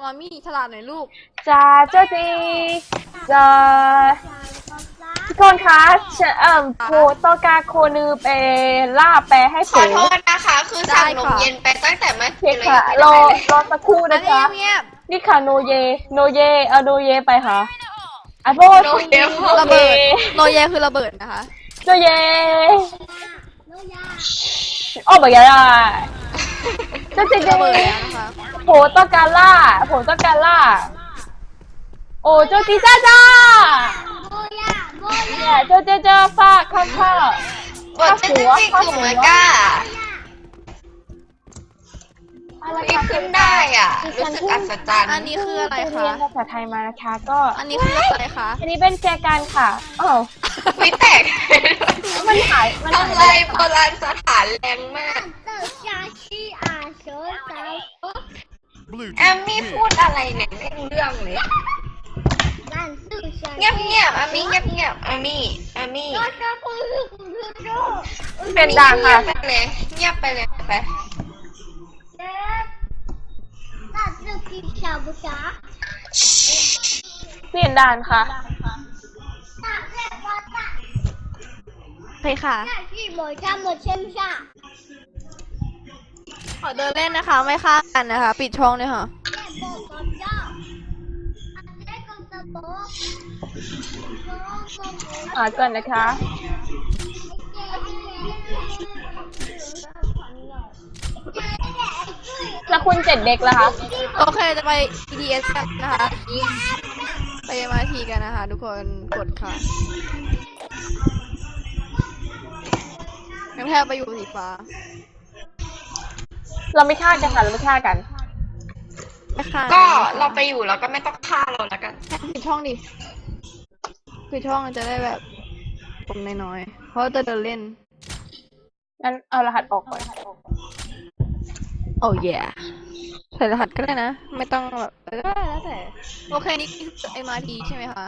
อามี่ฉลาดหน่อยลูกจ้าเจ้าจีจ้าทุกคนคะโคโตกาโคนือไปล่าแปลให้ขอโทษนะคะคือสั่งนมเย็นไปตั้งแต่เมื่อคืนเลยค่ะรอสักครู่นะจ๊ะนี่ค่ะโนเยโนเยไปค่ะไอโบโนเยระเบิดโนเยคือระเบิดนะคะโนเยโอ้บอยาได้เจ้าจีระเบิดนะคะโผต้องการล่าโอ้เจ้าจีจ้าเนี่ยเจ้าฟาข้าวบทจริงๆคือเหมือนก้าที่ขึ้นได้อ่ะรู้สึกอัศจรรย์อันนี้คืออะไรคะเรียนภาษาไทยมานะคะก็อันนี้คืออะไรคะอันนี้เป็นแจกันค่ะไม่แตกมันหายทำไรโบราณสถานแรงมากแอมมี่พูดอะไรเนี่ยไม่รู้เรื่องเลยเงียบอามี่เงียบอามี่เป็นด่างค่ะเงียบไปเลยไปเปลี่ยนด่านค่ะไปค่ะขอเดินเล่นนะคะไม่ฆ่ากันนะคะปิดช่องเลยค่ะก่อนนะคะแล้วคุณ7 เด็กแล้วคะโอเคจะไป EDS กันนะคะไป MRT กันนะคะทุกคนกดค่ะงั้นแทบไปอยู่สีฟ้าเราไม่ฆ่ากันค่ะเราไม่ฆ่ากันก็เราไปอยู่แล้วก็ไม่ต้องฆ่าเราแล้วกันปิดช่องดิปิดช่องจะได้แบบตรงน้อยๆเพราะจะเดินเล่นงั้นเอารหัสออกก่อนโอ้ยใส่รหัสก็ได้นะไม่ต้องแบบแล้วแต่โอเคนี่คือ MRT ใช่ไหมคะ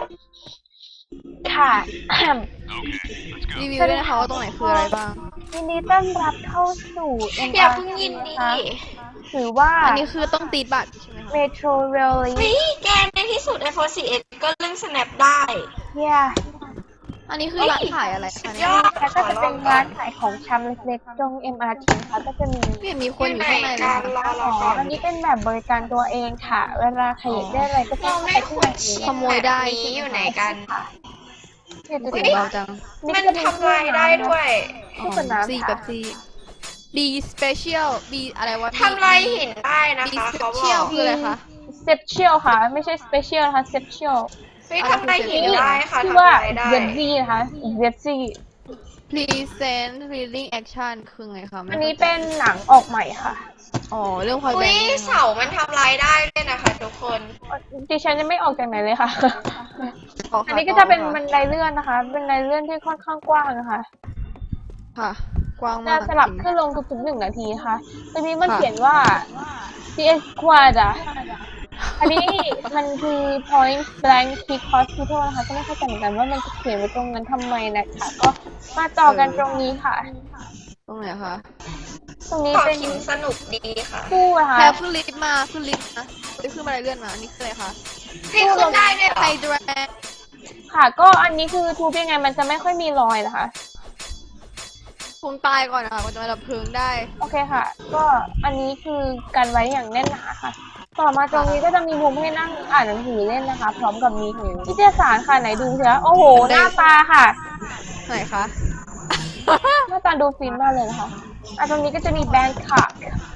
ค่ะรีวิวด้วยนะคะว่าตรงไหนคืออะไรบ้างยินดีต้อนรับเข้าสู่ MRT อย่าเพิ่งยินดีถือว่าอันนี้คือต้องตีบัตรใช่ไหมคะ Metro Rail แกในที่สุด iPhone 4S ก็เล่น Snap ได้อันนี้คือร้านขายอะไรคะเนี่ยแล้วก็จะเป็นร้านขายของชำเล็กๆตรง MRT ค่ะก็จะมีคนอยู่ข้างในเลยอันนี้เป็นแบบบริการตัวเองค่ะเวลาใครอยากได้อะไรก็ต้องไปที่ไหนขโมยได้อยู่ไหนกันเบาจังมันทำลายได้ด้วยซีกับซีB special B อะไรวะทำลายหินได้นะคะเขาบอกคืออะไรคะ special ค่ะไม่ใช่ special นะคะ special ทำลายหินได้ค่ะชื่อว่า ZZ นะคะ ZZ present reading action คือไงคะอันนี้เป็นหนังออกใหม่ค่ะเรื่องพอยแบงค์เสามันทำลายได้ด้วยนะคะทุกคนดิฉันยังไม่ออกจากไหนเลยค่ะอันนี้ก็จะเป็นบันไดเลื่อนนะคะเป็นบันไดเลื่อนที่ค่อนข้างกว้างนะคะค่ะกว้างมากจะสลับขึ้นลงทุกๆ1 นาทีค่ะตรงนี้มันเขียนว่า CS Quad อันนี้มันคือ Point Blank Peak Hospital นะคะก็ไม่เข้าใจเหมือนกันว่ามันจะเขียนไว้ตรงนั้นทำไมนะคะก็มาต่อกันตรงนี้ค่ะตรงไหนคะตรงนี้เป็นสนุกดีค่ะคู่ค่ะแค่ขึ้นลิฟต์มาขึ้นลิฟต์นะขึ้นบันไดเลื่อนมาอันนี้คืออะไรคะให้ขึ้นได้ด้วยไฮดรนค่ะก็อันนี้คือทูบยังไงมันจะไม่ค่อยมีรอยนะคะคงตายก่อนนะคะก็จะมาดับเพลิงได้โอเคค่ะก็อันนี้คือกันไว้อย่างแน่นหนาค่ะต่อมาตรงนี้ก็จะมีมุมให้นั่งอ่านหนังสือเล่นนะคะพร้อมกับมีนิตยสารค่ะไหนดูสิคะโอ้โหหน้าตาค่ะไหนคะหน้าตาดูฟินมากเลยนะคะตรงนี้ก็จะมีแบงค์ค่ะ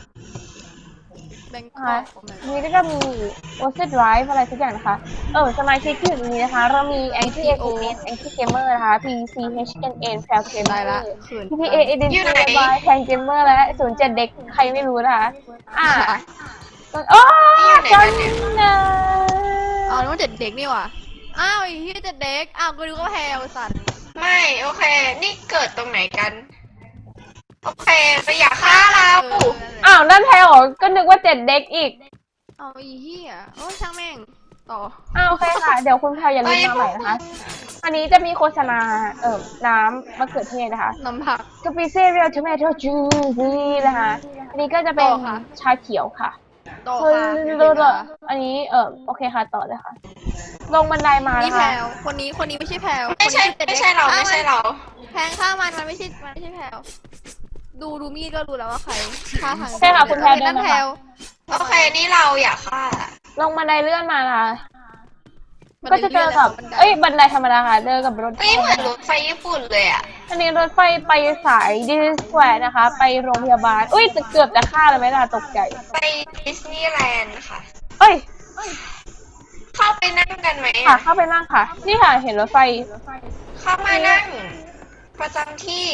นี่ก็จะมี Ocean Drive อะไรสักอย่างนะคะสมาชิกที่อยู่ตรงนี้นะคะเรามี Anti Extremist Anti Gamer นะคะ PCHNN Proud Gamer PPA Identity by Fan Gamer และ07 เด็กใครไม่รู้นะคะโอ้จันนะนึกว่า7 เด็กนี่หว่าอ้าวที่7 เด็กก็ดูก็แพลสัตว์ไม่โอเคนี่เกิดตรงไหนกันโอเคไปอย่าฆ่าเรานั่นแพลก็นึกว่า7 เด็กอีกเหี้ยช่างแม่งต่อโอเคค่ะเดี๋ยวคุณแพลอย่าลืมมาใหม่นะคะอันนี้จะมีโฆษณาน้ำมะเขือเทศนะคะน้ำผักกาแฟเรียลทอมเมโต้จูซี่นะคะอันนี้ก็จะเป็นชาเขียวค่ะต่อเฮ้ยค่ะอันนี้โอเคค่ะต่อเลยค่ะ ลงบันไดมานี่นะแพลคะวคนนี้ไม่ใช่แพลวไม่ใช่คนนี้ไม่ใช่เราอ่ะไม่ใช่เราแพงฆ่ามันไม่ใช่แพลวดูมีดก็รู้แล้วว่าใครฆ่าทางใช่ค่ะคุณแพลวเดินั่นนมาแพลค่ะวโอเคนี่เราอยากฆ่าลงบันไดเลื่อนมานะคะก็จะเจอกับบันไดธรรมดาค่ะเจอกับรถไฟเอ้ยเหมือนรถไฟญี่ปุ่นเลยอ่ะอันนี้รถไฟไปสายดิสแควร์นะคะ ไปโรงพยาบาลอุ้ยเกือบจะฆ่าเลยไหมล่ะตกใจไปดิสนีย์แลนด์ค่ะเอ้ยเข้าไปนั่งกันไหมค่ะอะเข้าไปนั่งค่ะ นี่ค่ะเห็นรถไฟเข้ามานั่ง ประจำที่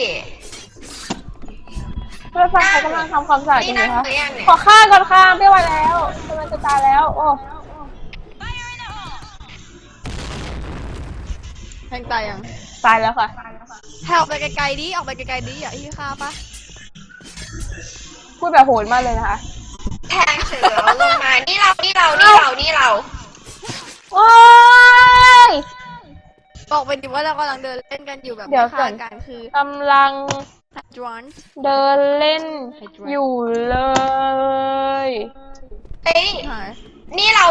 รถไฟเขากำลังทำความสะอาดอยู่นั่งนะคะหรือยังเนี่ยขอฆ่าก่อนค่ะไม่ไหวแล้วกำลังจะตายแล้ว โอ้แพงตายยังตายแล้วค่ะแพลวไปไกลๆดิออกไปไกลๆดิอย่าที่ฆ่าปะพูดแบบโหดมากเลยนะคะแทงเสือลงมา นี่เราโอ้ยบอกไปดิว่าเรากำลังเดินเล่นกันอยู่แบบเดี๋ยวไม่ก่อฆ่าน กันคือกำลังดรอนเดินเล่นอยู่เลยเอ้ยหายนี่เรา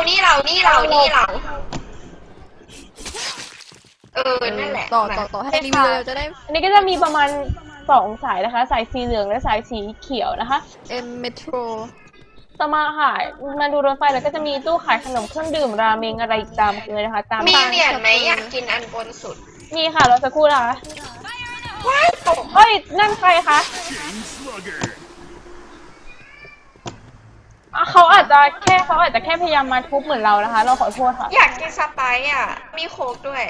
นั่นแหละต่อให้รีวิวเราจะได้อันนี้ก็จะมีประมาณ2 สายนะคะ สายสีเหลืองและสายสีเขียวนะคะเมโทรต่อมาค่ะมาดูรถไฟแล้วก็จะมีตู้ขายขนมเครื่องดื่มราเมงอะไรอีกตามเลยนะคะ ตามมีเหรียญไหมอยากกินอันบนสุดมีค่ะเราจะครู่นะคะว้ายตกเฮ้ยนั่นใครคะอ่ะเขาอาจจะแค่พยายามมาทุบเหมือนเรานะคะ เราขอโทษค่ะอยากกินสไปซ์อ่ะ มีโค้กด้วย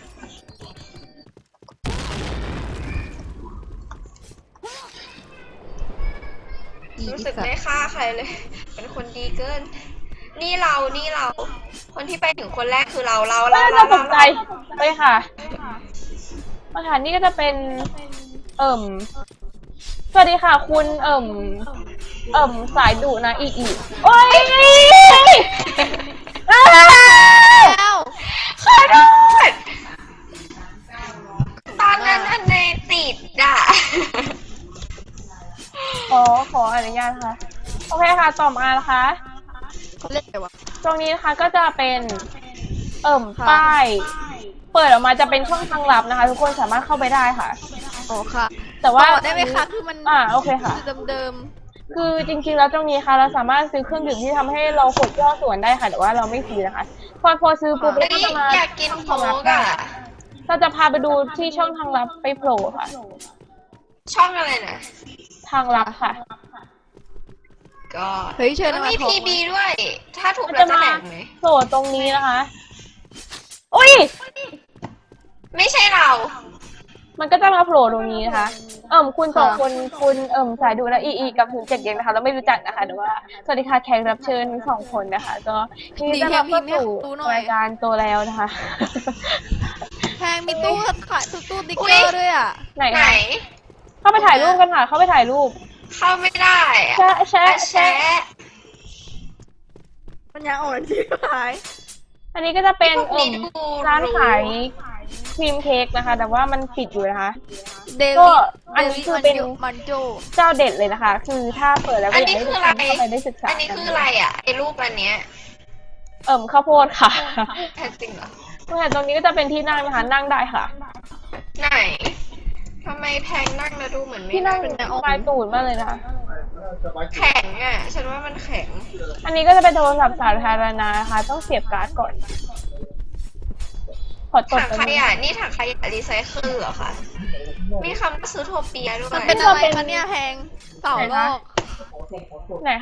รู้สึกไม่ฆ่าใครเลย เป็นคนดีเกิน นี่เรา คนที่ไปถึงคนแรกคือเราน่าจะตกใจไปค่ะมาค่ะนี่ก็จะเป็นสวัสดีค่ะคุณสายดุนะอีโอ้ยอ้าวแล้วขอโทษตอนนั้นอันในติดอ่ะขออนุญาตค่ะโอเคค่ะต่อมานะคะเขาเล่นอะไรวะตรงนี้นะคะก็จะเป็นค่ะป้ายเปิดออกมาจะเป็นช่องทางลับนะคะ ทุกคนสามารถเข้าไปได้ค่ะอ๋อค่ะแต่ว่าต่อได้ไหมคะคือมันโอเคค่ะเดิมคือจริงๆแล้วตรงนี้ค่ะเราสามารถซื้อเครื่องดื่มที่ทำให้เรากดย่อส่วนได้ค่ะ แต่ว่าเราไม่ซื้อนะคะพอซื้อปุ๊บเฮ้เรายก็จะมาอยากกินโค้กอ่ะเราจะพาไปดูที่ช่องทางลับไปโผล่ค่ะช่องอะไรนะทางลับค่ะก็ๆเฮ้ยเชิญแล้วมามีขอพีบีด้วย ถ้าถูกมันเราจะจะมาแบ่งไหมโผล่ตรงนี้นะคะ อุ้ยไม่ใช่เรามันก็จะมาโผล่ตรงนี้นะคะ คุณ2 คนคุณสายดูและอีกับถึง7เย็นนะคะเราไม่รู้จักนะคะแต่ว่าสวัสดีค่ะแขกรับเชิญทั้ง2 คนนะคะ ก็ยินดีต้อนรับเข้าสู่รายการโตแล้วนะคะแพงมีตู้ขายตู้ติ๊กเกอร์ด้วยอ่ะไหนไหนคะเข้าไปถ่ายรูปกันค่ะ เข้าไปถ่ายรูปเข้าไม่ได้อะแชะแชะแชะแชะมันยังอ่อนที่ขายอันนี้ก็จะเป็นพวกนี้ดูร้านขายครีมเค้กนะคะ แต่ว่ามันปิดอยู่นะคะเดก็ลิอันนี้คือเป็นมันโจเจ้าเด็ดเลยนะคะ คือถ้าเปิดแล้วก็อันอยากนี้ให้คืทุอก อะไรคนเข้าไปได้ศึกษาอันนี้คืออะไรอ่ะ ไอ้รูปอันเนี้ยข้าวโพดค่ะแท้จริงเหรอตรงนี้ก็จะเป็นที่นั่งนะคะ นั่งได้ค่ะไหน ทำไมแพงนั่งแล้วดูเหมือนไม่ที่นั่งเป็นปลายตูดมากเลยนะคะแข็งอ่ะ ฉันว่ามันแข็งอันนี้ก็จะเป็นโทรศัพท์สาธารณะนะคะ ต้องเสียบการ์ดก่อน ขอตดถังไปขยะนี่ถังขยะรีไซเคิลเหรอคะ มีคำว่าซื้อโทเปียด้วยมันเป็นอะไรคะเนี่ยแพงเต่าลอกไหนคะ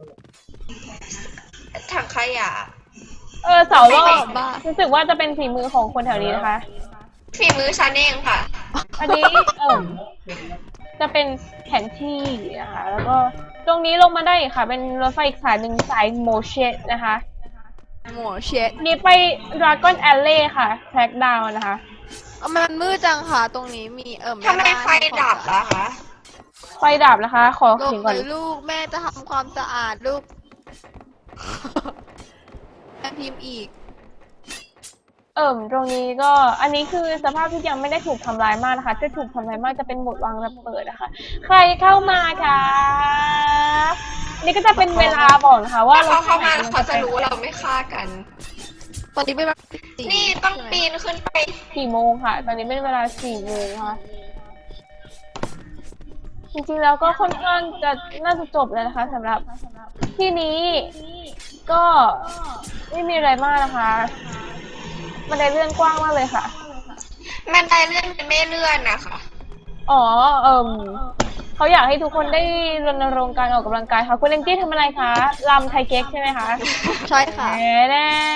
ถังขยะเสาโลกบ้ารู้สึกว่าจะเป็นฝีมือของคนแถวนี้นะคะฝีมือฉันเองค่ะอันนี้จะเป็นแผนที่นะคะ แล้วก็ตรงนี้ลงมาได้อีกค่ะ เป็นรถไฟอีกสายหนึ่งสายโมเชตนะคะหมอเช็ดนี่ไป Dragon Alley ค่ะ Track Down นะคะมันมืดจังค่ะ ตรงนี้มีทำไมไฟดับล่ะคะไฟดับนะคะ ขอลงเขียนก่อนเลยลูกแม่จะทำความสะอาดลูกแม่พิมพ์อีกตรงนี้ก็ อันนี้คือสภาพที่ยังไม่ได้ถูกทำลายมากนะคะถ้าถูกทำลายมากจะเป็นโหมดวางระเบิดนะคะ ใครเข้ามาคะนี่ก็จะเป็นเวลาบอกนะคะว่าถ้าเขาเข้ามาแล้วเขาจะรู้ว่าเราไม่ฆ่ากันตอนนี้เป็นเวลา4 นี่ต้องใช่ไหมปีนขึ้นไป 4 โมงค่ะ ตอนนี้เป็นเวลา4 โมงค่ะ จริงๆแล้วก็ค่อนข้างจะน่าจะจบแล้วนะคะสำหรับที่นี้ก็ไม่มีอะไรมากนะคะมันได้เลื่อนกว้างมากเลยค่ะมันไดเลื่อนเป็นไม่เลื่อนนะคะอ๋อเขาอยากให้ทุกคนได้รณรงค์การออกกำลังกายค่ะคุณแองจี้ทำอะไรคะรำไทยเก๊กใช่ไหมคะใช่ค่ะแน่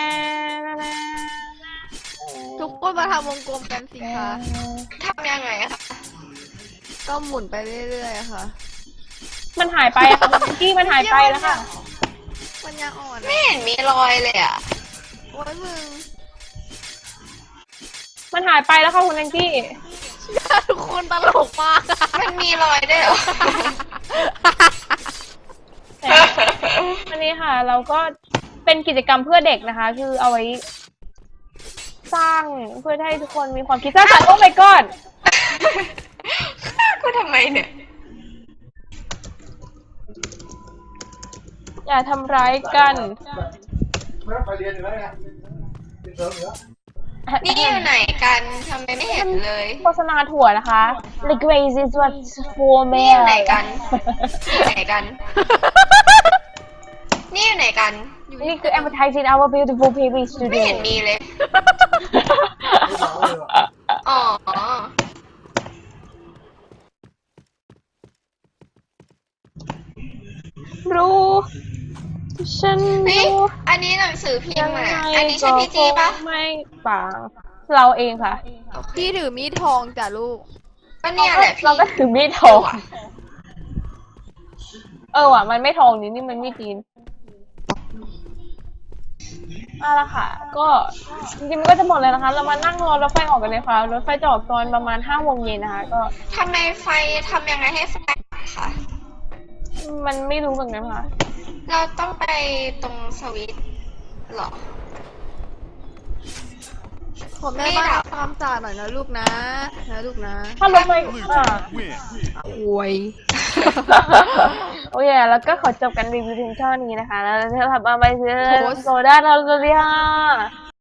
ทุกคนมาทำวงกลมกันสิคะทำยังไงอะคะก็หมุนไปเรื่อยๆอะค่ะมันหายไปอะค่ะคุณแองจี้มันหายไปแล้วค่ะมันยังอ่อนไม่เห็นมีรอยเลยอะโอ้ยมึงมันหายไปแล้วค่ะคุณแองจี้ทุกคนตลกมากอะมันมีรอยด้วยเหรออันนี้ค่ะ เราก็เป็นกิจกรรมเพื่อเด็กนะคะ คือเอาไว้สร้างเพื่อให้ทุกคนมีความคิดสร้างสรรค์โอ้ my god กูทำไมเนี่ยอย่าทำร้ายกันไม่ไปเรียนอยู่แล้วไงเรียนเสริมอยู่แล้วนี่อยู่ไหนกันทำไมไม่เห็นเลยโฆษณาถั่วนะคะ The grace is what for นี่อยู่ me ไหนกันอยู่ไหนกัน นี่อยู่ไหนกันนี่คือ advertising our beautiful baby ไม่ studio เห็นมีเลยไม่บอกเลยว่ะอ๋อรู้ ฉันนี่รู้อันนี้หนังสือพิมยัพ์งอะไงอันนี้ใช่ก็พี่จีปะไม่ปังเราเองค่ะพี่ถือมีดทองจ้ะลูกก็เนี่ยแหละพี่เราก็ถือมีดทองว่ะมันไม่ทองนี่มันมีดจีนเอาละค่ะ ก็จริงๆมันก็จะหมดเลยนะคะ เรามานั่งรอรถไฟออกกันเลยค่ะ รถไฟจะออกตอนประมาณ5 โมงเย็นนะคะ ก็ทำไมไฟทำยังไงให้ไฟดับคะมันไม่รู้เหมือนกันค่ะเราต้องไปตรงสวิตช์เหรอผมแม่บ้านทำความสะอาดหน่อยนะลูกนะลูกนะถ้ารถไฟโอ้ยโอ้ยแล้วก็ขอจบกันรีวิวเพียงเท่านี้นะคะ แล้วเราจะทำมาไปซื้อโซดาเราจะเรีย